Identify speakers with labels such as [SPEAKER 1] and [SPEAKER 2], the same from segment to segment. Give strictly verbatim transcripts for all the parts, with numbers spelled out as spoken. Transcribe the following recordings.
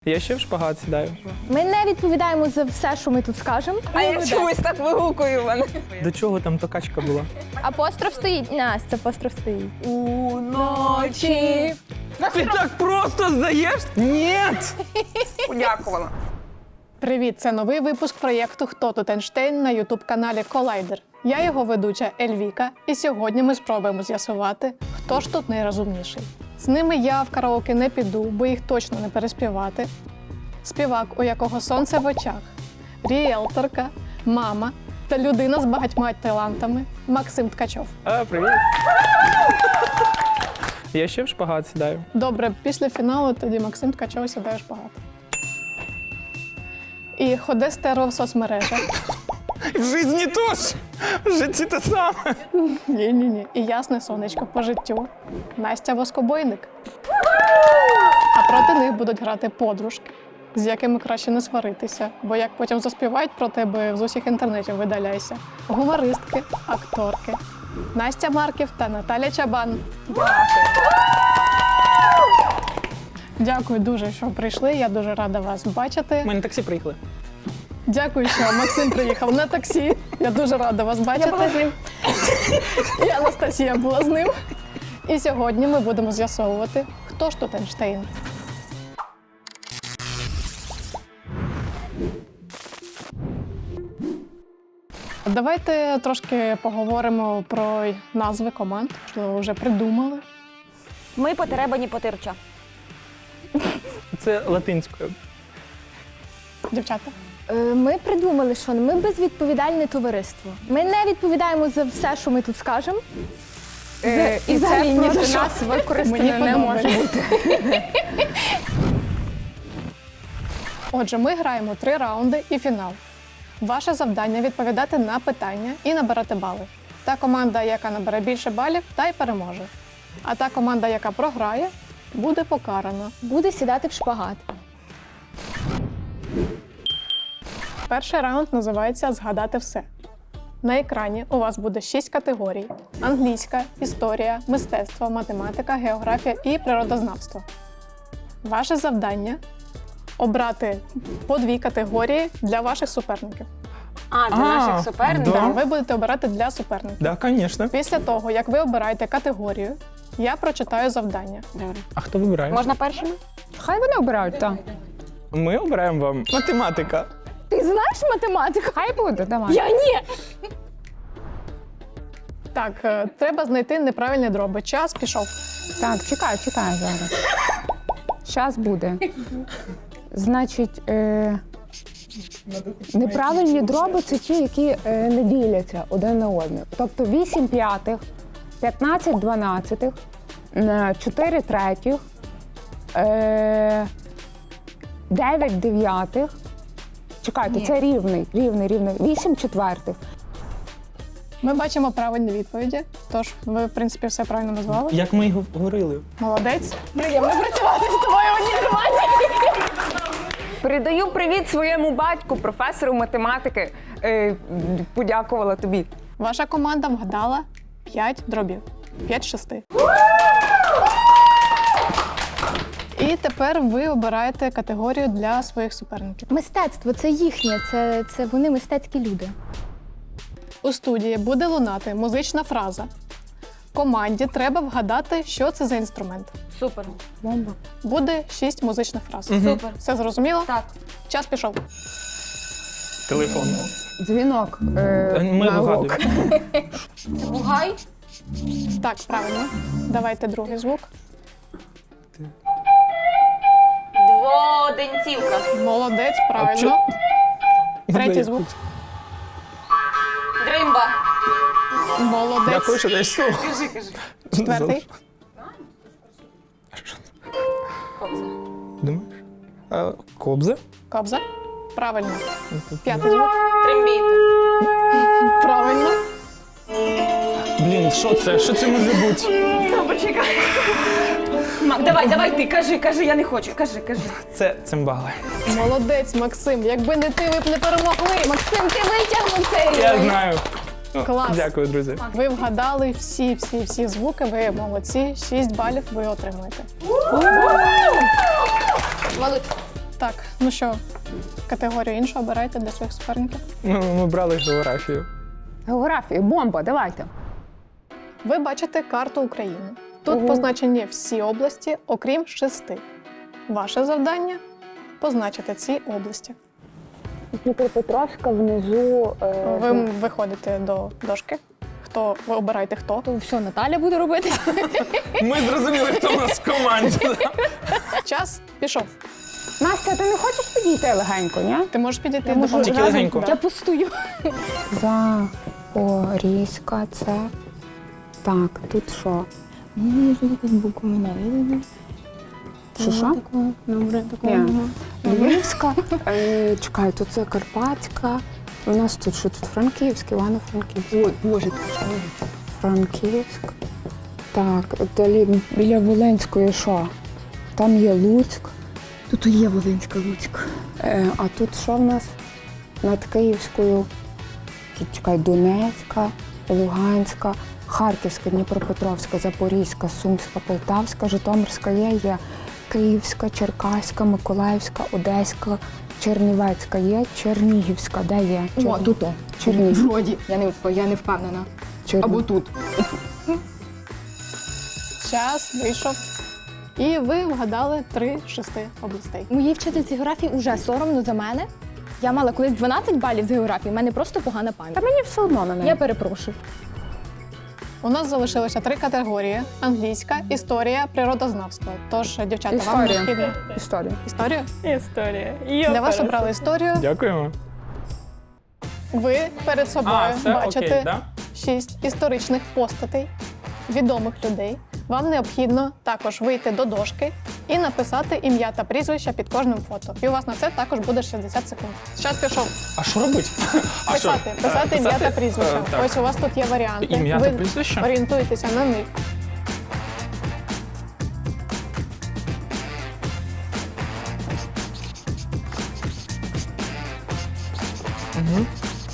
[SPEAKER 1] Я ще в шпагат сідаю.
[SPEAKER 2] Ми не відповідаємо за все, що ми тут скажемо.
[SPEAKER 3] А я чомусь так вигукую мене.
[SPEAKER 1] До чого там то качка була?
[SPEAKER 2] Апостроф стоїть. Настя, апостроф стоїть.
[SPEAKER 3] Уночі.
[SPEAKER 1] Ти так просто здаєш? Ні!
[SPEAKER 3] Подякувала.
[SPEAKER 4] Привіт! Це новий випуск проєкту «Хто тут Ейнштейн» на ютуб-каналі Колайдер. Я його ведуча Ельвіка, і сьогодні ми спробуємо з'ясувати, хто ж тут найрозумніший. З ними я в караоке не піду, бо їх точно не переспівати. Співак, у якого сонце в очах, ріелторка, мама та людина з багатьма талантами Максим Ткачов.
[SPEAKER 1] А, привіт. Я ще в шпагат сідаю.
[SPEAKER 4] Добре, після фіналу тоді Максим Ткачов сідає в шпагат. І ходе стерео в соцмережах.
[SPEAKER 1] В житті теж. В житті те саме.
[SPEAKER 4] Ні-ні-ні. І ясне сонечко по життю. Настя Воскобойник. А проти них будуть грати подружки, з якими краще не сваритися, бо як потім заспівають про тебе, з усіх інтернетів видаляйся. Гумористки, акторки. Настя Марків та Наталя Чабан. Дякую дуже, що прийшли. Я дуже рада вас бачити.
[SPEAKER 1] Ми на таксі приїхали.
[SPEAKER 4] Дякую, що Максим приїхав на таксі. Я дуже рада вас бачити. Я була з ним. І Анастасія була з ним. І сьогодні ми будемо з'ясовувати, хто ж тут Ейнштейн. Давайте трошки поговоримо про назви команд, що вже придумали.
[SPEAKER 3] Ми потеребані потирча.
[SPEAKER 1] Це латинською.
[SPEAKER 4] Дівчата.
[SPEAKER 2] Е, Ми придумали, що ми безвідповідальне товариство. Ми не відповідаємо за все, що ми тут скажемо.
[SPEAKER 3] Е,
[SPEAKER 2] і
[SPEAKER 3] і
[SPEAKER 2] взагалі
[SPEAKER 3] це
[SPEAKER 2] ні
[SPEAKER 3] проти
[SPEAKER 2] за що.
[SPEAKER 3] нас використано
[SPEAKER 4] Мені
[SPEAKER 3] не може
[SPEAKER 4] подобається.
[SPEAKER 3] бути.
[SPEAKER 4] Отже, ми граємо три раунди і фінал. Ваше завдання – відповідати на питання і набирати бали. Та команда, яка набере більше балів, та й переможе. А та команда, яка програє, буде покарана.
[SPEAKER 2] Буде сідати в шпагат.
[SPEAKER 4] Перший раунд називається «Згадати все». На екрані у вас буде шість категорій: англійська, історія, мистецтво, математика, географія і природознавство. Ваше завдання – обрати по дві категорії для ваших суперників.
[SPEAKER 3] А, для
[SPEAKER 1] А,
[SPEAKER 3] наших суперників.
[SPEAKER 1] да.
[SPEAKER 4] Ви будете обирати для суперників.
[SPEAKER 1] Так, звісно.
[SPEAKER 4] Після того, як ви обираєте категорію, я прочитаю завдання.
[SPEAKER 3] Добре.
[SPEAKER 1] А хто вибирає?
[SPEAKER 3] Можна першими?
[SPEAKER 5] Хай вони обирають, так.
[SPEAKER 1] Ми обираємо вам математика.
[SPEAKER 2] Ти знаєш математику?
[SPEAKER 5] Хай буде, давай.
[SPEAKER 2] Я ні!
[SPEAKER 4] Так, е, треба знайти неправильні дроби. Час пішов.
[SPEAKER 5] Так, чекай, чекай зараз. Щас буде. Значить, е... неправильні дроби – це ті, які е, не діляться один на один. Тобто вісім п'ятих, п'ятнадцять дванадцятих, е, чотири третіх, е... дев'ять дев'ятих. Чекайте,
[SPEAKER 2] Ні.
[SPEAKER 5] це рівний, рівний, рівний. вісім четвертих.
[SPEAKER 4] Ми бачимо правильні відповіді, тож ви, в принципі, все правильно назвали.
[SPEAKER 1] Як ми й говорили.
[SPEAKER 4] Молодець.
[SPEAKER 2] Приємно працювати з тобою в одній команді.
[SPEAKER 3] Передаю привіт своєму батьку, професору математики. Е, подякувала тобі.
[SPEAKER 4] Ваша команда вгадала п'ять дробів. п'ять з шести. І тепер ви обираєте категорію для своїх суперників.
[SPEAKER 2] Мистецтво це їхнє, це, це вони мистецькі люди.
[SPEAKER 4] У студії буде лунати музична фраза. Команді треба вгадати, що це за інструмент.
[SPEAKER 3] Супер.
[SPEAKER 5] Бомба.
[SPEAKER 4] Буде шість музичних фраз.
[SPEAKER 3] Супер.
[SPEAKER 4] Все зрозуміло?
[SPEAKER 3] Так.
[SPEAKER 4] Час пішов.
[SPEAKER 1] Телефон.
[SPEAKER 5] Дзвінок. Е...
[SPEAKER 1] Ми
[SPEAKER 5] на урок.
[SPEAKER 1] вигадуємо.
[SPEAKER 3] Бугай.
[SPEAKER 4] Так, правильно. Давайте другий звук.
[SPEAKER 3] Дводенцівка.
[SPEAKER 4] Молодець,
[SPEAKER 1] А
[SPEAKER 4] правильно. Третій звук.
[SPEAKER 3] Дримба.
[SPEAKER 4] Молодець.
[SPEAKER 1] Дякую, що даєш слово.
[SPEAKER 3] Кажи, кажи.
[SPEAKER 4] Четвертий.
[SPEAKER 3] Кобза.
[SPEAKER 1] Думаєш? А, кобза?
[SPEAKER 4] Кобза. Правильно. П'ятий звук.
[SPEAKER 3] Трембіта.
[SPEAKER 4] Правильно.
[SPEAKER 1] Блін, що це? Що це може бути?
[SPEAKER 3] Ну, почекай. Мак, давай, давай ти, кажи, кажи, я не хочу. Кажи, кажи.
[SPEAKER 1] Це цимбали.
[SPEAKER 4] Молодець, Максим. Якби не ти, ви б не перемогли.
[SPEAKER 2] Максим, ти витягнув цей
[SPEAKER 1] Я
[SPEAKER 2] рівень.
[SPEAKER 1] знаю. Ну,
[SPEAKER 4] Клас.
[SPEAKER 1] Дякую, друзі.
[SPEAKER 4] Ви вгадали всі, всі, всі звуки. Ви молодці. Шість балів ви отримуєте.
[SPEAKER 2] Валуть.
[SPEAKER 4] Так, ну що, категорію іншу обирайте для своїх суперників.
[SPEAKER 1] Ми, ми брали географію.
[SPEAKER 5] Географія, бомба, давайте.
[SPEAKER 4] Ви бачите карту України. Тут
[SPEAKER 5] Ого.
[SPEAKER 4] позначені всі області, окрім шести. Ваше завдання – позначити ці області.
[SPEAKER 5] Дніпропетровська внизу. Е,
[SPEAKER 4] Ви виходите до дошки. Хто, ви обираєте хто.
[SPEAKER 2] То все, Наталя буде робити.
[SPEAKER 1] Ми зрозуміли, хто у нас в команді.
[SPEAKER 4] Час пішов.
[SPEAKER 5] Настя, ти не хочеш підійти легенько, ні?
[SPEAKER 4] Ти можеш підійти
[SPEAKER 2] Я
[SPEAKER 4] до
[SPEAKER 2] можу
[SPEAKER 4] дошки.
[SPEAKER 1] Тільки легенько.
[SPEAKER 2] Я пустую.
[SPEAKER 5] Запорізька, це. Так, тут що?
[SPEAKER 2] Мені тут буквами навіть.
[SPEAKER 5] Що, що?
[SPEAKER 2] Добре,
[SPEAKER 5] Ні. Львівська. Е, чекай, тут це Карпатська. У нас тут що тут? Франківськ, Івано-Франківськ. Ой, Боже, Франківськ. Так, далі біля Волинської що? Там є Луцьк.
[SPEAKER 2] Тут є Волинська Луцьк.
[SPEAKER 5] Е, а тут що в нас? Над Київською. Чекай, Донецька, Луганська, Харківська, Дніпропетровська, Запорізька, Сумська, Полтавська, Житомирська є, є Київська, Черкаська, Миколаївська, Одеська, Чернівецька є, Чернігівська, де є?
[SPEAKER 2] О,
[SPEAKER 5] Чер-
[SPEAKER 2] тут. о.
[SPEAKER 5] Чернігів.
[SPEAKER 2] Вроді. Я не, я не впевнена.
[SPEAKER 5] Черні-
[SPEAKER 2] Або тут.
[SPEAKER 4] Час вийшов. І ви вгадали три з шести областей.
[SPEAKER 2] Моїй вчительці географії вже соромно за мене. Я мала колись дванадцять балів з географії, в мене просто погана пам'ять.
[SPEAKER 5] Та мені все одно на неї.
[SPEAKER 2] Я перепрошую.
[SPEAKER 4] У нас залишилося три категорії: англійська, історія, природознавство. Тож, дівчата, вам
[SPEAKER 5] Історія.
[SPEAKER 4] необхідно
[SPEAKER 5] Історію.
[SPEAKER 4] історію.
[SPEAKER 3] Історія.
[SPEAKER 4] Для вас обрали історію.
[SPEAKER 1] Дякуємо.
[SPEAKER 4] Ви перед собою
[SPEAKER 1] А, все,
[SPEAKER 4] бачите
[SPEAKER 1] окей, да?
[SPEAKER 4] шість історичних постатей, відомих людей. Вам необхідно також вийти до дошки і написати ім'я та прізвище під кожним фото. І у вас на це також буде шістдесят секунд. Час пішов.
[SPEAKER 1] А що робити? А що?
[SPEAKER 4] Писати, писати
[SPEAKER 1] Е,
[SPEAKER 4] ім'я та
[SPEAKER 1] писати?
[SPEAKER 4] прізвище.
[SPEAKER 1] Е, так.
[SPEAKER 4] Ось у вас тут є варіанти.
[SPEAKER 1] Ім'я
[SPEAKER 4] Ви
[SPEAKER 1] та прізвище?
[SPEAKER 4] орієнтуєтеся на них.
[SPEAKER 1] Угу.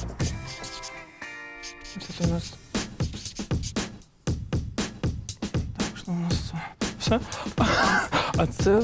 [SPEAKER 1] Тут у нас... Так, що у нас? Все? А це...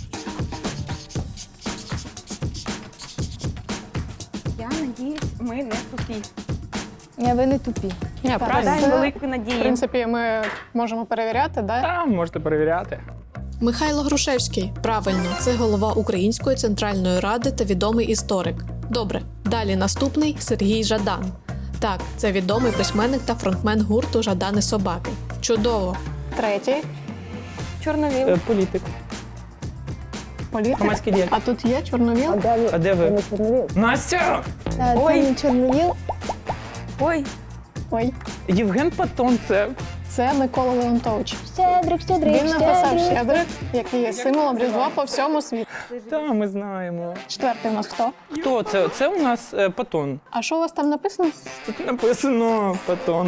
[SPEAKER 3] Я надіюсь, ми не тупі.
[SPEAKER 2] Я ви не тупі.
[SPEAKER 4] Ні,
[SPEAKER 3] Вкладаємо
[SPEAKER 4] це,
[SPEAKER 3] велику
[SPEAKER 4] в
[SPEAKER 3] надію.
[SPEAKER 4] принципі, ми можемо перевіряти, да?
[SPEAKER 1] Там можете перевіряти.
[SPEAKER 6] Михайло Грушевський. Правильно, це голова Української центральної ради та відомий історик. Добре, далі наступний Сергій Жадан. Так, це відомий письменник та фронтмен гурту Жадани Собаки. Чудово!
[SPEAKER 4] Третій
[SPEAKER 3] Чорновіл.
[SPEAKER 1] Е, Політик.
[SPEAKER 4] політик.
[SPEAKER 1] Громадський діяч.
[SPEAKER 4] А тут є чорновіл.
[SPEAKER 5] А де ви?
[SPEAKER 1] А де ви?
[SPEAKER 5] не Чорновіл?
[SPEAKER 1] Настя!
[SPEAKER 2] Це
[SPEAKER 3] Ой.
[SPEAKER 2] не Чорновіл.
[SPEAKER 3] Ой,
[SPEAKER 4] Ой,
[SPEAKER 1] Євген Патон, це...
[SPEAKER 4] це Микола Леонтович.
[SPEAKER 2] Щедрик, щедрик,
[SPEAKER 4] Він написав
[SPEAKER 2] щедрик.
[SPEAKER 4] щедрик, який є символом Різдва по всьому світу.
[SPEAKER 1] Та, ми знаємо.
[SPEAKER 4] Четвертий у нас хто?
[SPEAKER 1] Хто це? Це у нас е, Патон.
[SPEAKER 4] А що у вас там написано?
[SPEAKER 1] Тут написано Патон.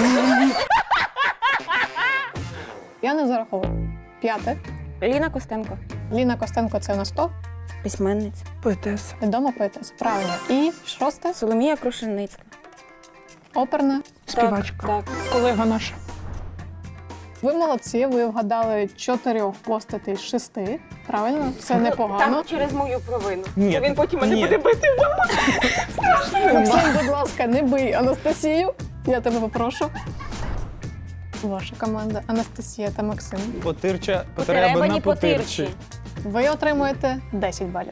[SPEAKER 4] Я не зараховую. П'яте.
[SPEAKER 3] Ліна Костенко.
[SPEAKER 4] Ліна Костенко це у нас хто?
[SPEAKER 3] Письменниця.
[SPEAKER 1] Поетеса.
[SPEAKER 4] Відома поетеса. Правильно. І шосте.
[SPEAKER 3] Соломія Крушельницька.
[SPEAKER 4] Оперна.
[SPEAKER 1] Співачка.
[SPEAKER 3] Так.
[SPEAKER 1] Колега наша.
[SPEAKER 4] Ви молодці, ви вгадали чотирьох постатей з шести. Правильно? Це непогано.
[SPEAKER 3] Там через мою провину.
[SPEAKER 1] Ні.
[SPEAKER 3] Він потім мене
[SPEAKER 1] Ні.
[SPEAKER 3] буде бити.
[SPEAKER 4] Максим, будь ласка, не бий Анастасію. Я тебе попрошу. Ваша команда Анастасія та Максим.
[SPEAKER 1] Потирча,
[SPEAKER 3] Потеребані
[SPEAKER 1] потреба на
[SPEAKER 3] потирчі.
[SPEAKER 1] потирчі.
[SPEAKER 4] Ви отримуєте десять балів.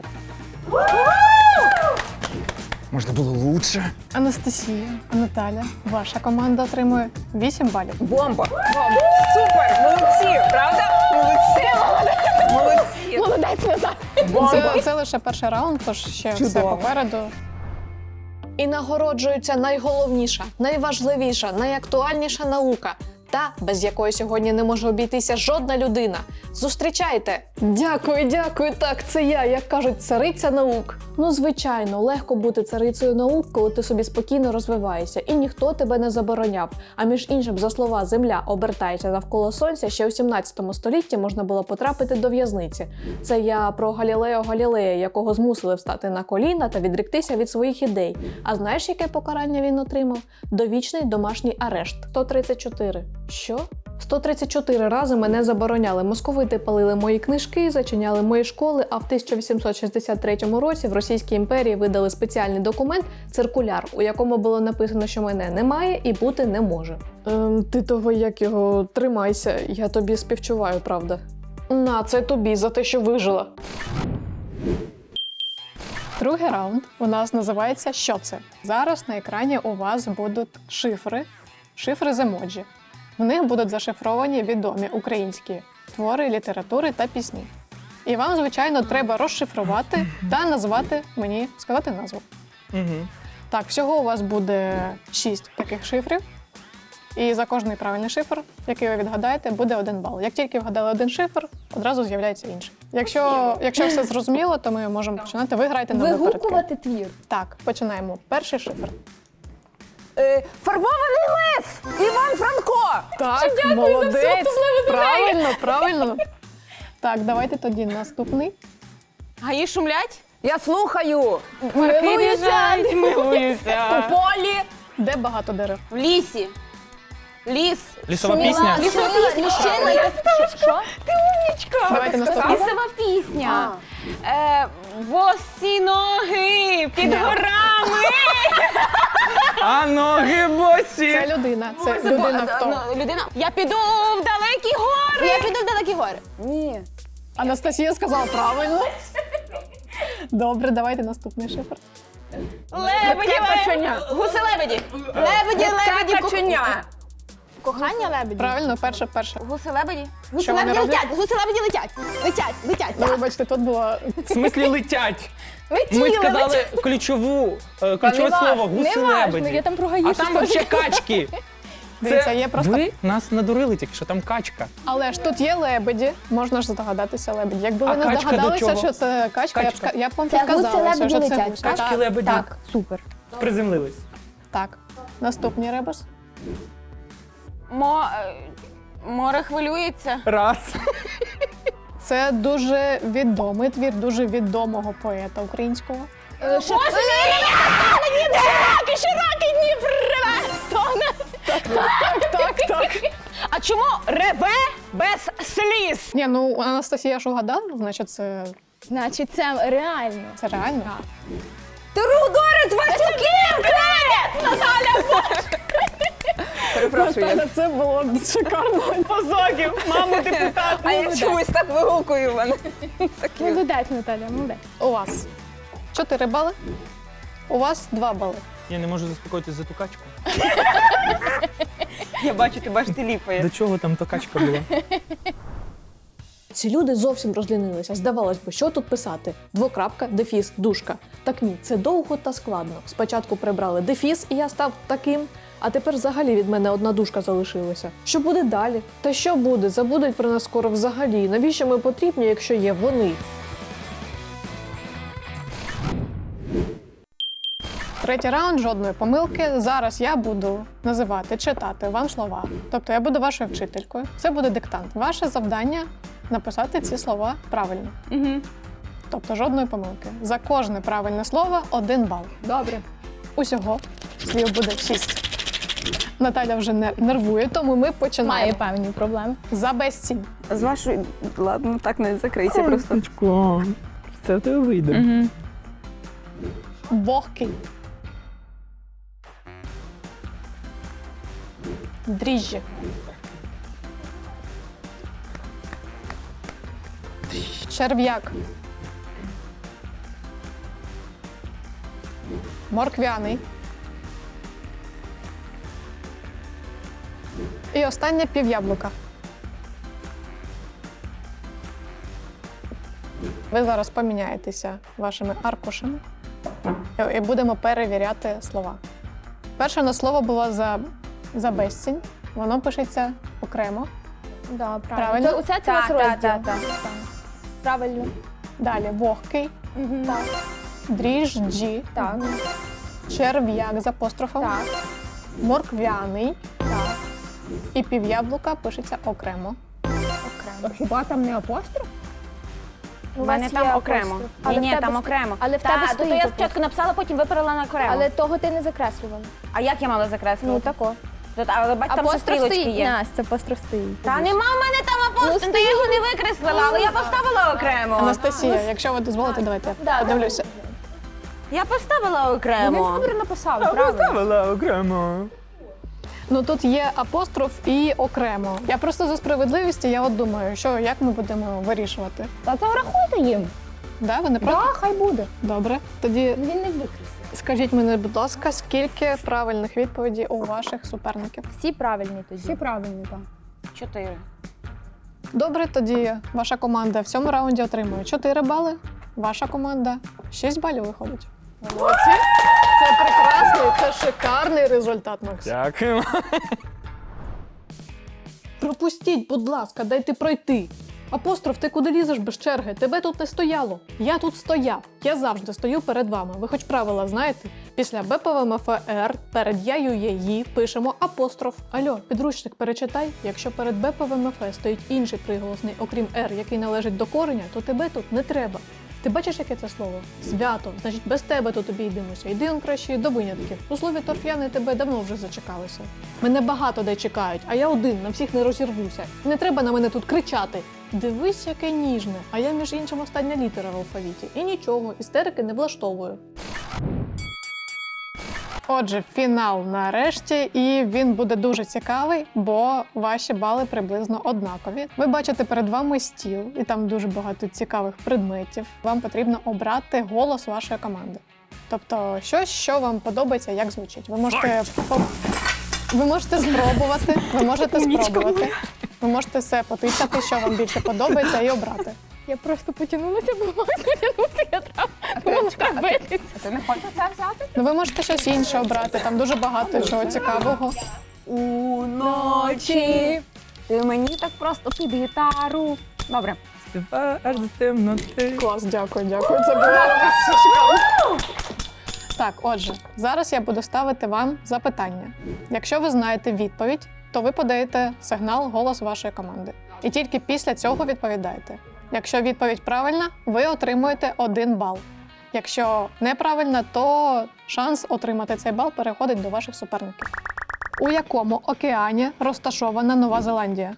[SPEAKER 1] Можна було лучше.
[SPEAKER 4] Анастасія, Наталя, ваша команда отримує вісім балів.
[SPEAKER 3] Бомба. Бомба. Супер. Молодці. Правда? Молодці. Молодці.
[SPEAKER 2] Молодець, Наталя.
[SPEAKER 4] Це, це лише перший раунд, тож ще все
[SPEAKER 5] Чудово.
[SPEAKER 4] попереду. І нагороджується найголовніша, найважливіша, найактуальніша наука, та, без якої сьогодні не може обійтися жодна людина. Зустрічайте! Дякую, дякую, так, це я, як кажуть, цариця наук. Ну, звичайно, легко бути царицею наук, коли ти собі спокійно розвиваєшся, і ніхто тебе не забороняв. А між іншим, за слова «Земля обертається навколо Сонця», ще у сімнадцятому столітті можна було потрапити до в'язниці. Це я про Галілео Галілея, якого змусили встати на коліна та відректися від своїх ідей. А знаєш, яке покарання він отримав? Довічний домашній арешт. сто тридцять чотири. Що? сто тридцять чотири рази мене забороняли. Московити палили мої книжки, зачиняли мої школи, а в тисяча вісімсот шістдесят третьому році в Російській імперії видали спеціальний документ «Циркуляр», у якому було написано, що мене немає і бути не може. Ем, ти того, як його, тримайся, я тобі співчуваю, правда. На, це тобі за те, що вижила. Другий раунд у нас називається «Що це?». Зараз на екрані у вас будуть шифри, шифри з емоджі. В них будуть зашифровані відомі українські твори, літератури та пісні. І вам, звичайно, треба розшифрувати та назвати мені, сказати назву.
[SPEAKER 1] Угу.
[SPEAKER 4] Так, всього у вас буде шість таких шифрів. І за кожний правильний шифр, який ви відгадаєте, буде один бал. Як тільки вгадали один шифр, одразу з'являється інший. Якщо, якщо все зрозуміло, то ми можемо починати. Ви грайте на випередки.
[SPEAKER 2] Вигукувати твір.
[SPEAKER 4] Так, починаємо. Перший шифр.
[SPEAKER 5] Е, фарбований лев! Іван Франко!
[SPEAKER 4] Так, молодець! Правильно, правильно. Так, давайте тоді наступний.
[SPEAKER 3] Гаї шумлять?
[SPEAKER 5] Я слухаю!
[SPEAKER 3] Милуюся!
[SPEAKER 5] У
[SPEAKER 3] Милуюся!
[SPEAKER 5] полі!
[SPEAKER 4] Де багато дерев?
[SPEAKER 3] В лісі. Ліс.
[SPEAKER 1] Лісова пісня.
[SPEAKER 2] Лісова пісня. Мужчина. Що?
[SPEAKER 4] Давайте наступний.
[SPEAKER 3] Лісова пісня. Е, босі ноги під горами.
[SPEAKER 1] А ноги босі.
[SPEAKER 4] Це людина. Це людина хто?
[SPEAKER 3] Ну, людина. Я піду в далекі гори.
[SPEAKER 2] Я піду в далекі гори.
[SPEAKER 5] Ні.
[SPEAKER 4] Анастасія сказала правильно. Добре, давайте наступний шифр.
[SPEAKER 3] Лебеді,
[SPEAKER 5] каченя.
[SPEAKER 3] гуси лебеді.
[SPEAKER 2] Лебеді, лебеді,
[SPEAKER 5] каченя!
[SPEAKER 2] кохання лебеді.
[SPEAKER 4] Правильно, перше, перше.
[SPEAKER 3] Гуси лебеді.
[SPEAKER 2] Гуси
[SPEAKER 4] Що вони
[SPEAKER 2] лебеді
[SPEAKER 4] роблять?
[SPEAKER 2] летять, гуси лебеді летять. Летять, летять.
[SPEAKER 4] Ну, вибачте, тут було
[SPEAKER 1] В смислі летять.
[SPEAKER 2] Летіли,
[SPEAKER 1] Ми сказали
[SPEAKER 2] летять.
[SPEAKER 1] ключову, е, ключове
[SPEAKER 2] Та не
[SPEAKER 1] слово
[SPEAKER 2] важно,
[SPEAKER 1] гуси
[SPEAKER 2] не важно,
[SPEAKER 1] лебеді.
[SPEAKER 2] я там про
[SPEAKER 1] А
[SPEAKER 2] гаїшку
[SPEAKER 1] там
[SPEAKER 2] теж.
[SPEAKER 1] ще качки.
[SPEAKER 4] Дивіться, є просто.
[SPEAKER 1] Ви нас надурили тільки, що там качка.
[SPEAKER 4] Але ж тут є лебеді, можна ж здогадатися лебеді. Якби
[SPEAKER 1] А
[SPEAKER 4] ви не
[SPEAKER 1] качка до
[SPEAKER 4] здогадалися,
[SPEAKER 1] чого?
[SPEAKER 4] що це качка, я б,
[SPEAKER 1] Качка.
[SPEAKER 4] ска- я б вам
[SPEAKER 2] Це
[SPEAKER 4] підказала,
[SPEAKER 2] гуси
[SPEAKER 4] що
[SPEAKER 2] лебеді
[SPEAKER 4] це
[SPEAKER 2] летять.
[SPEAKER 4] гуси.
[SPEAKER 1] Качки
[SPEAKER 4] Так,
[SPEAKER 1] лебеді.
[SPEAKER 2] Так, супер.
[SPEAKER 1] Приземлились.
[SPEAKER 4] так. Наступний ребус.
[SPEAKER 3] Мо... е, Море хвилюється.
[SPEAKER 1] Раз.
[SPEAKER 4] Це дуже відомий твір дуже відомого поета українського.
[SPEAKER 2] Боже, широкі, широкий Дніпр реве, стогне.
[SPEAKER 4] Так, так, так.
[SPEAKER 3] А чому реве без сліз?
[SPEAKER 4] Ні, ну Анастасія ж угадала, значить це,
[SPEAKER 2] Значить, це реально.
[SPEAKER 4] це реально.
[SPEAKER 5] Трудорець Васюків! Крець! Наталя! Перепрошую.
[SPEAKER 4] Наталя, це було шикарно.
[SPEAKER 3] Позогів, маму депутат.
[SPEAKER 5] А я чомусь так вигукую в мене.
[SPEAKER 2] Молодець, Наталя, молодець.
[SPEAKER 4] У вас чотири бали, у вас два бали.
[SPEAKER 1] Я не можу заспокоїтись за ту качку.
[SPEAKER 3] Я бачу, ти бачиш, ти ліпає.
[SPEAKER 1] До чого там та качка була?
[SPEAKER 4] Ці люди зовсім розлінилися. Здавалось би, що тут писати? Двокрапка, дефіс, дужка. Так ні, це довго та складно. Спочатку прибрали дефіс, і я став таким, а тепер взагалі від мене одна дужка залишилася. Що буде далі? Та що буде? Забудуть про нас скоро взагалі. Навіщо ми потрібні, якщо є вони? Третій раунд, жодної помилки. Зараз я буду називати, читати вам слова. Тобто я буду вашою вчителькою. Це буде диктант. Ваше завдання написати ці слова правильно.
[SPEAKER 3] Угу.
[SPEAKER 4] Тобто жодної помилки. За кожне правильне слово один бал.
[SPEAKER 2] Добре.
[SPEAKER 4] Усього слів буде шість. Наталя вже не- нервує, тому ми починаємо.
[SPEAKER 2] Має певні проблеми.
[SPEAKER 4] За безцінь.
[SPEAKER 3] З вашої... Ладно, так не закрийся просто.
[SPEAKER 1] Качко, це в тебе вийде.
[SPEAKER 3] Угу.
[SPEAKER 4] Вогкий. Дріжджі. Черв'як. Морквяний. І останнє пів'яблука. Ви зараз поміняєтеся вашими аркушами і будемо перевіряти слова. Перше на слово було за, за безцінь. Воно пишеться окремо.
[SPEAKER 2] Да, правильно.
[SPEAKER 4] Правильно?
[SPEAKER 2] Це, оце це у нас
[SPEAKER 5] Так,
[SPEAKER 2] розділ.
[SPEAKER 5] так, так,
[SPEAKER 2] Правильно.
[SPEAKER 4] Далі вогкий,
[SPEAKER 2] Мгм. Так.
[SPEAKER 4] дріжджі,
[SPEAKER 2] Так.
[SPEAKER 4] черв'як з апострофом,
[SPEAKER 2] Так.
[SPEAKER 4] морквяний
[SPEAKER 2] Так.
[SPEAKER 4] і пів'яблука пишеться окремо.
[SPEAKER 2] Окремо.
[SPEAKER 5] Хіба там не апостроф?
[SPEAKER 2] У
[SPEAKER 3] У мене
[SPEAKER 2] вас
[SPEAKER 3] там
[SPEAKER 2] є
[SPEAKER 3] окремо.
[SPEAKER 2] апостроф. Але
[SPEAKER 3] Ні,
[SPEAKER 2] в
[SPEAKER 3] ні,
[SPEAKER 2] тебе
[SPEAKER 3] там
[SPEAKER 2] ст-
[SPEAKER 3] окремо.
[SPEAKER 2] Але в
[SPEAKER 3] Та,
[SPEAKER 2] тебе
[SPEAKER 3] то
[SPEAKER 2] стоїть
[SPEAKER 3] я
[SPEAKER 2] апостроф.
[SPEAKER 3] спочатку написала, потім виперла на окремо.
[SPEAKER 2] Але того ти не закреслювала.
[SPEAKER 3] А як я мала закреслити?
[SPEAKER 2] Ну, тако.
[SPEAKER 3] Та- Але бач, там ще
[SPEAKER 2] Апостроф
[SPEAKER 3] стрілочки
[SPEAKER 2] стоїть.
[SPEAKER 3] є.
[SPEAKER 2] Настя, апостроф стоїть.
[SPEAKER 3] Та нема в мене там апостроф, ти його не викреслила, але я поставила окремо.
[SPEAKER 4] Анастасія, якщо ви дозволите, давайте я
[SPEAKER 2] Да,
[SPEAKER 4] подивлюся.
[SPEAKER 3] Я поставила
[SPEAKER 5] Він
[SPEAKER 3] окремо.
[SPEAKER 5] добре написав, правильно.
[SPEAKER 1] Поставила окремо.
[SPEAKER 4] Ну тут є апостроф і окремо. Я просто за справедливість, я от думаю, що як ми будемо вирішувати.
[SPEAKER 5] Та це врахуйте їм.
[SPEAKER 4] Да, ви не
[SPEAKER 5] Так,
[SPEAKER 4] проти?
[SPEAKER 5] хай буде.
[SPEAKER 4] Добре. Тоді
[SPEAKER 2] Він не викреслив.
[SPEAKER 4] скажіть мені, будь ласка, скільки правильних відповідей у ваших суперників?
[SPEAKER 2] Всі правильні тоді.
[SPEAKER 5] Всі правильні, так.
[SPEAKER 3] Чотири.
[SPEAKER 4] Добре, тоді ваша команда в цьому раунді отримує чотири бали, ваша команда шість балів виходить. Молодці! Це прекрасний, це шикарний результат, Максим.
[SPEAKER 1] Дякую.
[SPEAKER 4] Пропустіть, будь ласка, дайте пройти. Апостроф, ти куди лізеш без черги? Тебе тут не стояло. Я тут стояв. Я завжди стою перед вами. Ви хоч правила знаєте? Після БПВМФР перед яю єї пишемо апостроф. Альо, підручник перечитай. Якщо перед БПВМФ стоїть інший приголосний, окрім Р, який належить до кореня, то тебе тут не треба. Ти бачиш, яке це слово? Свято. Значить, без тебе тут обійдемося. Йди он краще до винятків. У слові торф'яни тебе давно вже зачекалися. Мене багато де чекають, а я один, на всіх не розірвуся. Не треба на мене тут кричати. Дивись, яке ніжне, а я, між іншим, остання літера в алфавіті. І нічого, істерики не влаштовую. Отже, фінал нарешті, і він буде дуже цікавий, бо ваші бали приблизно однакові. Ви бачите перед вами стіл, і там дуже багато цікавих предметів. Вам потрібно обрати голос вашої команди. Тобто щось, що вам подобається, як звучить. Ви можете по- ви можете спробувати, ви можете спробувати. Ви можете все потичати, що вам більше подобається, і обрати.
[SPEAKER 2] Я просто потягнулася, бо мама потягнутися, я треба треба битися.
[SPEAKER 5] А ти не хочеш це взяти?
[SPEAKER 4] Ну, ви можете щось інше обрати, там дуже багато чого цікавого.
[SPEAKER 5] Уночі ти мені так просто під гітару. Добре.
[SPEAKER 1] Співаю аж до темноти.
[SPEAKER 4] Клас, дякую, дякую. Це було шикарно. Так, отже, зараз я буду ставити вам запитання. Якщо ви знаєте відповідь, то ви подаєте сигнал голос вашої команди. І тільки після цього відповідаєте. Якщо відповідь правильна, ви отримуєте один бал. Якщо неправильна, то шанс отримати цей бал переходить до ваших суперників. У якому океані розташована Нова Зеландія?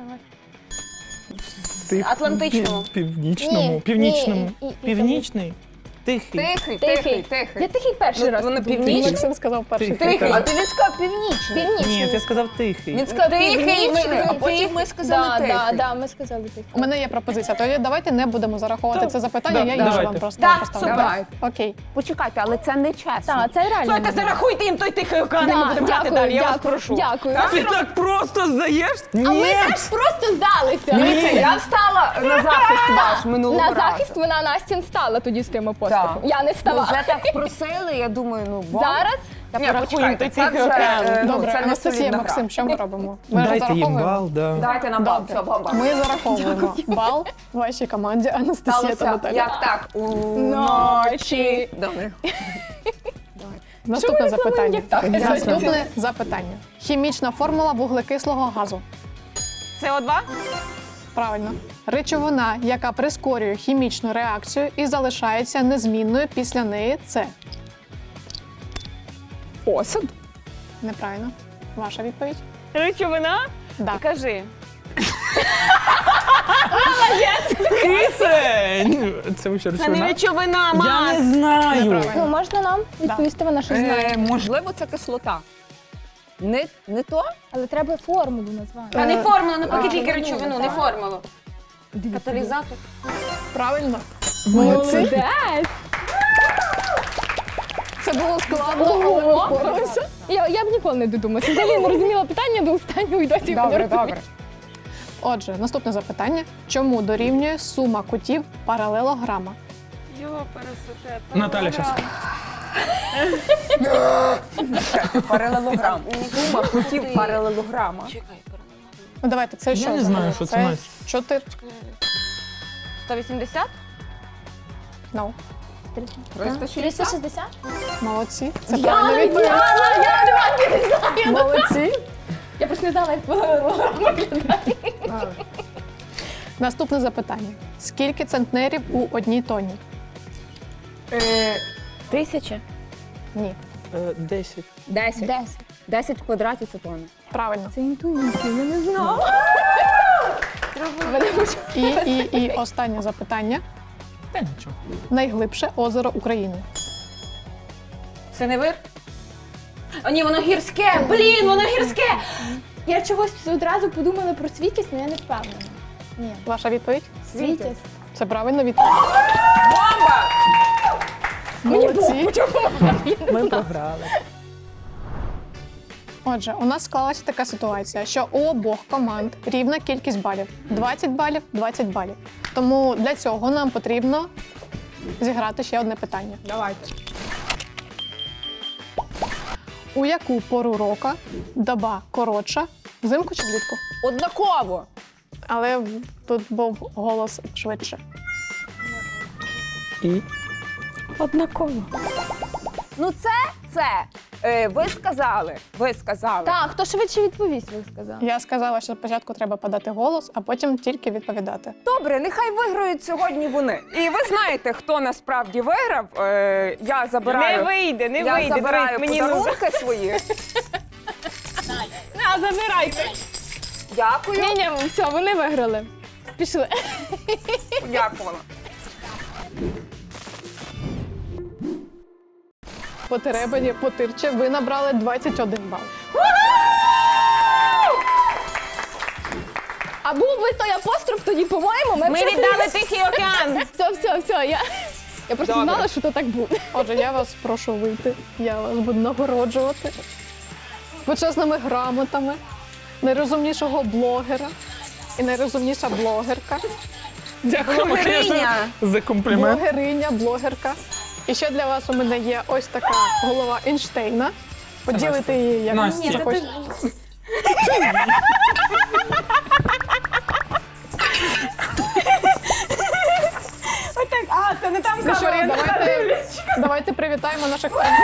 [SPEAKER 1] Ти
[SPEAKER 3] Атлантичному.
[SPEAKER 1] пів- Північному.
[SPEAKER 2] Ні,
[SPEAKER 1] Північному.
[SPEAKER 2] ні, і- і-
[SPEAKER 1] Північний. Тихий.
[SPEAKER 5] Тихий,
[SPEAKER 2] Тихий.
[SPEAKER 5] тихий, тихий.
[SPEAKER 2] Я такий перший раз.
[SPEAKER 3] Воно
[SPEAKER 2] подумала.
[SPEAKER 3] північний?
[SPEAKER 4] Максим сказав перший.
[SPEAKER 1] Тихий.
[SPEAKER 5] Тихий, а ти він сказав північний.
[SPEAKER 2] Північний.
[SPEAKER 1] Ні, ти сказав тихий.
[SPEAKER 5] Він сказав
[SPEAKER 3] Тихий,
[SPEAKER 5] північний,
[SPEAKER 3] ми-
[SPEAKER 5] а потім ми сказали
[SPEAKER 2] Да,
[SPEAKER 5] тихий.
[SPEAKER 2] да, да, ми сказали тихий.
[SPEAKER 4] У мене є пропозиція. Тоді давайте не будемо зараховувати
[SPEAKER 1] Так,
[SPEAKER 4] це запитання,
[SPEAKER 1] да,
[SPEAKER 4] я інше
[SPEAKER 1] давайте.
[SPEAKER 4] вам просто
[SPEAKER 3] Да,
[SPEAKER 4] поставлю.
[SPEAKER 3] супер.
[SPEAKER 5] Давай.
[SPEAKER 4] Окей.
[SPEAKER 5] Почекайте, але це не чесно.
[SPEAKER 2] Так, це реально.
[SPEAKER 3] Слухайте, зарахуйте їм той тихий океан, і ми
[SPEAKER 2] Да,
[SPEAKER 3] будемо грати
[SPEAKER 2] дякую,
[SPEAKER 3] далі, я вас
[SPEAKER 2] дякую,
[SPEAKER 3] прошу.
[SPEAKER 2] Дякую.
[SPEAKER 1] Ти так просто здаєш?
[SPEAKER 2] А ми
[SPEAKER 1] Ні!
[SPEAKER 2] теж просто здалися.
[SPEAKER 5] Дивіться, я встала на захист ваш минулого
[SPEAKER 2] На
[SPEAKER 5] разу.
[SPEAKER 2] захист вона Настін стала тоді з тим апострофом.
[SPEAKER 5] Так.
[SPEAKER 2] Я не
[SPEAKER 5] Ну,
[SPEAKER 2] ставала.
[SPEAKER 5] вже так просили, я думаю, ну бо.
[SPEAKER 2] Зараз
[SPEAKER 5] Та
[SPEAKER 3] Ні,
[SPEAKER 5] почекайте,
[SPEAKER 3] порахуємо,
[SPEAKER 5] це
[SPEAKER 3] тихий
[SPEAKER 5] вже,
[SPEAKER 3] океан.
[SPEAKER 5] е, ну,
[SPEAKER 4] Добре,
[SPEAKER 5] це не
[SPEAKER 4] Анастасія,
[SPEAKER 5] солідна
[SPEAKER 4] Максим,
[SPEAKER 5] гра.
[SPEAKER 4] що ми робимо? Ми
[SPEAKER 1] Дайте їм
[SPEAKER 4] розраховуємо?
[SPEAKER 1] бал, да.
[SPEAKER 5] Давайте на бал, все, бомба.
[SPEAKER 4] Ми зараховуємо бал вашій команді Анастасія та
[SPEAKER 5] Сталося,
[SPEAKER 4] Наталя.
[SPEAKER 5] як так, уночі. Добре.
[SPEAKER 4] Наступне запитання.
[SPEAKER 2] як так?
[SPEAKER 4] Наступне запитання. Хімічна формула вуглекислого газу.
[SPEAKER 3] С О два?
[SPEAKER 4] Правильно. Речовина, яка прискорює хімічну реакцію і залишається незмінною після неї, це
[SPEAKER 5] Осад.
[SPEAKER 4] неправильно. Ваша відповідь?
[SPEAKER 3] Речовина?
[SPEAKER 4] Да.
[SPEAKER 3] Кажи.
[SPEAKER 1] Кисень! Це ви що,
[SPEAKER 3] Це не
[SPEAKER 1] речовина?
[SPEAKER 3] речовина,
[SPEAKER 1] Я
[SPEAKER 3] Макс.
[SPEAKER 1] не знаю.
[SPEAKER 4] Неправильно.
[SPEAKER 2] ну, можна нам відповісти, вона щось знає.
[SPEAKER 5] Е, можливо, це кислота. Не, не то?
[SPEAKER 2] Але треба формулу назвати.
[SPEAKER 3] А не формула, не поки
[SPEAKER 2] А,
[SPEAKER 3] тільки
[SPEAKER 2] ну,
[SPEAKER 3] речовину,
[SPEAKER 2] так.
[SPEAKER 3] не формулу. Каталізатор.
[SPEAKER 4] Правильно. Молодці.
[SPEAKER 2] Молодець!
[SPEAKER 4] Це було складно, але ми впоралися.
[SPEAKER 2] Я, я б ніколи не додумалася. Взагалі не розуміла питання до останнього і досі його не
[SPEAKER 5] Добре,
[SPEAKER 2] розумію.
[SPEAKER 5] добре.
[SPEAKER 4] Отже, наступне запитання. Чому дорівнює сума кутів паралелограма?
[SPEAKER 3] Йо, пересоте.
[SPEAKER 1] Наталя щас.
[SPEAKER 5] Паралелограм. Сума кутів паралелограма.
[SPEAKER 4] Ну давайте, це що?
[SPEAKER 1] не
[SPEAKER 4] взагалі?
[SPEAKER 1] знаю, що це, Настя.
[SPEAKER 4] Чотири.
[SPEAKER 3] сто вісімдесят?
[SPEAKER 4] No.
[SPEAKER 5] триста
[SPEAKER 2] триста шістдесят?
[SPEAKER 4] Молодці. Це
[SPEAKER 2] Я
[SPEAKER 4] правильна
[SPEAKER 2] не
[SPEAKER 4] відповідь.
[SPEAKER 2] знала, я не знаю.
[SPEAKER 4] Молодці.
[SPEAKER 2] Я просто не знала, як виглядає.
[SPEAKER 4] Наступне запитання. Скільки центнерів у одній тоні?
[SPEAKER 2] Тисяча?
[SPEAKER 4] Ні.
[SPEAKER 1] Е, Десять.
[SPEAKER 2] Десять. Десять.
[SPEAKER 5] десять квадратів це тонна.
[SPEAKER 4] Правильно.
[SPEAKER 2] Це інтуїція, я не знала.
[SPEAKER 4] І, і, і останнє запитання.
[SPEAKER 1] Та нічого.
[SPEAKER 4] Найглибше озеро України.
[SPEAKER 3] Це не вир? О, ні, воно гірське! Блін, воно гірське!
[SPEAKER 2] Я чогось одразу подумала про Світязь, але я не впевнена. Ні.
[SPEAKER 4] Ваша відповідь?
[SPEAKER 2] Світязь.
[SPEAKER 4] Це правильно відповідь.
[SPEAKER 3] Бомба!
[SPEAKER 4] Молодці.
[SPEAKER 1] Ми програли.
[SPEAKER 4] Отже, у нас склалася така ситуація, що у обох команд рівна кількість балів. двадцять балів, двадцять балів. Тому для цього нам потрібно зіграти ще одне питання.
[SPEAKER 5] Давайте.
[SPEAKER 4] У яку пору року доба коротша, взимку чи влітку?
[SPEAKER 5] Однаково.
[SPEAKER 4] Але тут був голос швидше.
[SPEAKER 1] І
[SPEAKER 3] Однаково.
[SPEAKER 5] Ну це, це. Е, ви сказали. Ви сказали.
[SPEAKER 2] Так, хто швидше відповість, ви сказали.
[SPEAKER 4] Я сказала, що спочатку треба подати голос, а потім тільки відповідати.
[SPEAKER 5] Добре, нехай виграють сьогодні вони. І ви знаєте, хто насправді виграв. Е, я забираю.
[SPEAKER 3] Не вийде, не
[SPEAKER 5] я
[SPEAKER 3] вийде.
[SPEAKER 5] забираю
[SPEAKER 3] Дивись, мені ну...
[SPEAKER 5] подарунки свої.
[SPEAKER 3] На, забирайте.
[SPEAKER 5] Дякую.
[SPEAKER 2] Ні, ні, все, вони виграли. Пішли.
[SPEAKER 5] Дякувала.
[SPEAKER 4] По Теребені, по Тирче ви набрали двадцять один бал.
[SPEAKER 2] А був би той апостроф, тоді, по-моєму, ми,
[SPEAKER 3] Ми
[SPEAKER 2] б
[SPEAKER 3] віддали Тихий океан.
[SPEAKER 2] Все, все, все. Я, я просто
[SPEAKER 5] Добре.
[SPEAKER 2] знала, що то так буде.
[SPEAKER 4] Отже, я вас прошу вийти. Я вас буду нагороджувати почесними грамотами найрозумнішого блогера і найрозумніша блогерка.
[SPEAKER 1] дякуємо
[SPEAKER 3] Блогериня.
[SPEAKER 1] за комплімент.
[SPEAKER 4] Блогериня, блогерка. І ще для вас у мене є ось така голова Ейнштейна. Поділити її як
[SPEAKER 1] Настя. Ні,
[SPEAKER 4] захочете.
[SPEAKER 3] Отак, а, це не там
[SPEAKER 4] Ну що,
[SPEAKER 3] камера.
[SPEAKER 4] давайте, давайте привітаємо наших фанів.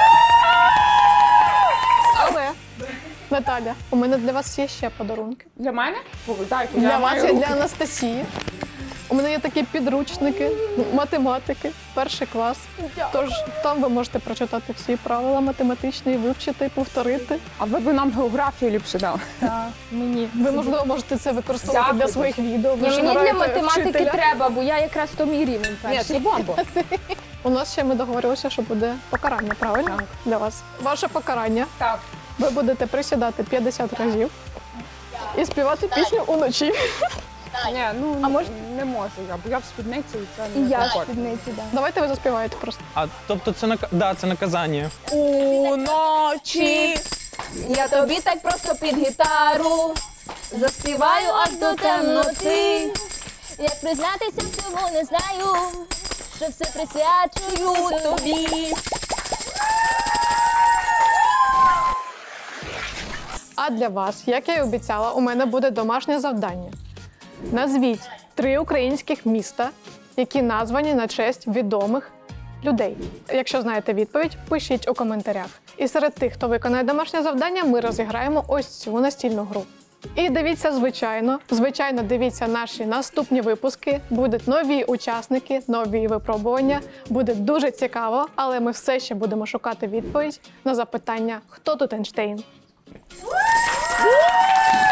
[SPEAKER 4] Але, Наталя, у мене для вас є ще подарунки.
[SPEAKER 5] Для мене? Дайте,
[SPEAKER 4] Для
[SPEAKER 5] я
[SPEAKER 4] вас
[SPEAKER 5] маю
[SPEAKER 4] і
[SPEAKER 5] руки.
[SPEAKER 4] для Анастасії. У мене є такі підручники математики, перший клас. Тож там ви можете прочитати всі правила математичні, вивчити, повторити.
[SPEAKER 5] А ви б нам географію ліпше дали.
[SPEAKER 2] Мені.
[SPEAKER 4] Ви, можливо, можете це використовувати
[SPEAKER 5] Дякую.
[SPEAKER 4] для своїх відео. Ви
[SPEAKER 2] Ні,
[SPEAKER 4] ж
[SPEAKER 2] мені для
[SPEAKER 4] граєте
[SPEAKER 2] математики
[SPEAKER 4] вчителя.
[SPEAKER 2] треба, бо я якраз то мій рівень
[SPEAKER 5] Ні,
[SPEAKER 2] перший.
[SPEAKER 5] це бомба.
[SPEAKER 4] У нас ще ми договорилися, що буде покарання, правильно?
[SPEAKER 5] Так.
[SPEAKER 4] Для вас. Ваше покарання.
[SPEAKER 5] Так.
[SPEAKER 4] Ви будете присідати п'ятдесят разів і співати пісню уночі.
[SPEAKER 5] Ні, ну
[SPEAKER 2] А може-
[SPEAKER 5] не можу я, бо я в спідниці і це
[SPEAKER 2] І
[SPEAKER 5] не
[SPEAKER 2] я в
[SPEAKER 5] комфортно.
[SPEAKER 2] спідниці, так.
[SPEAKER 4] Давайте ви заспіваєте просто.
[SPEAKER 1] А тобто це нак... да, це наказання.
[SPEAKER 2] Уночі я тобі так просто під гітару заспіваю аж до темноти. Як признатися в цьому не знаю, що все присвячую тобі.
[SPEAKER 4] А для вас, як я й обіцяла, у мене буде домашнє завдання. Назвіть три українських міста, які названі на честь відомих людей. Якщо знаєте відповідь, пишіть у коментарях. І серед тих, хто виконає домашнє завдання, ми розіграємо ось цю настільну гру. І дивіться, звичайно, звичайно, дивіться наші наступні випуски. Будуть нові учасники, нові випробування. Буде дуже цікаво, але ми все ще будемо шукати відповідь на запитання, хто тут Ейнштейн.